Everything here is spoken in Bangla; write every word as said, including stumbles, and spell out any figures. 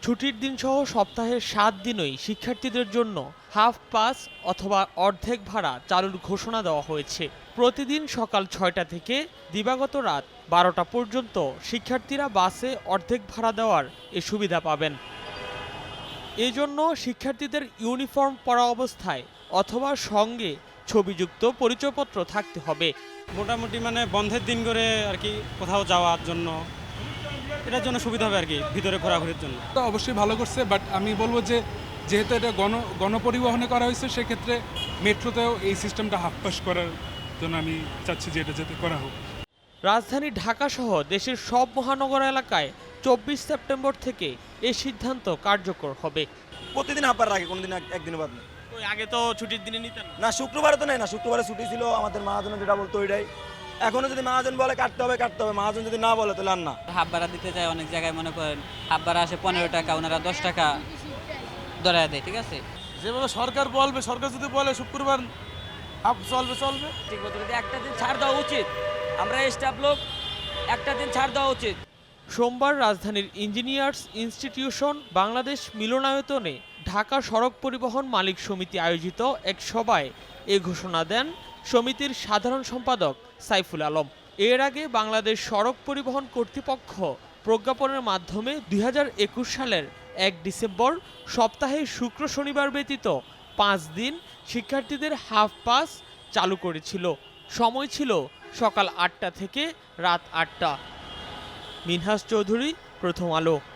ছুটির দিনসহ সপ্তাহের সাত দিনই শিক্ষার্থীদের জন্য হাফ পাস অথবা অর্ধেক ভাড়া চালুর ঘোষণা দেওয়া হয়েছে। প্রতিদিন সকাল ছয়টা থেকে দিবাগত রাত বারোটা পর্যন্ত শিক্ষার্থীরা বাসে অর্ধেক ভাড়া দেওয়ার এ সুবিধা পাবেন। এজন্য শিক্ষার্থীদের ইউনিফর্ম পরা অবস্থায় অথবা সঙ্গে ছবিযুক্ত পরিচয়পত্র থাকতে হবে। মোটামুটি মানে বন্ধের দিন করে আর কি কোথাও যাওয়ার জন্য এটার জন্য সুবিধা হবে আর কি, ভিতরে ঘোরাঘুরির জন্য। তো অবশ্যই ভালো করছে, বাট আমি বলবো যে যেহেতু এটা গণ গণপরিবহনে করা হয়েছে, সেক্ষেত্রে মেট্রোতেও এই সিস্টেমটা হাফ পাস করার জন্য আমি চাচ্ছি যে এটা যাতে করা হোক। রাজধানী ঢাকা সহ দেশের সব মহানগর এলাকায় চব্বিশ সেপ্টেম্বর থেকে এই সিদ্ধান্ত কার্যকর হবে। প্রতিদিন হাফবার রাখে, কোনোদিন একদিনও বাদ নেই। আগে তো ছুটির দিনে নিতেন না, শুক্রবারে তো নেই না, শুক্রবারে ছুটি ছিল আমাদের মহাজন যেটা বলতো ওইটাই। এখনো যদি মহাজন বলে কাটতে হবে কাটতে হবে, মহাজন যদি না বলে তাহলে আর না। হাফ ভাড়া দিতে যায় অনেক জায়গায়, মনে করেন হাফ ভাড়া আসে পনেরো টাকা, ওনারা দশ টাকা ধরায় দেয়। ঠিক আছে, যেভাবে সরকার বলবে, সরকার যদি বলে শুক্রবার হাফ চলবে চলবে ঠিক মতো যদি একটা দিন ছাড় দেওয়া উচিত, আমরা স্টাফ লোক একটা দিন ছাড় দেওয়া উচিত। সোমবার রাজধানীর ইঞ্জিনিয়ার্স ইনস্টিটিউশন বাংলাদেশ মিলনায়তনে ঢাকা সড়ক পরিবহন মালিক সমিতি আয়োজিত এক সভায় এ ঘোষণা দেন সমিতির সাধারণ সম্পাদক সাইফুল আলম। এর আগে বাংলাদেশ সড়ক পরিবহন কর্তৃপক্ষ প্রজ্ঞাপনের মাধ্যমে দুই হাজার একুশ সালের এক ডিসেম্বর সপ্তাহে শুক্র শনিবার ব্যতীত পাঁচ দিন শিক্ষার্থীদের হাফ পাস চালু করেছিল। সময় ছিল সকাল আটটা থেকে রাত আটটা। মিনহাস চৌধুরী, প্রথম আলো।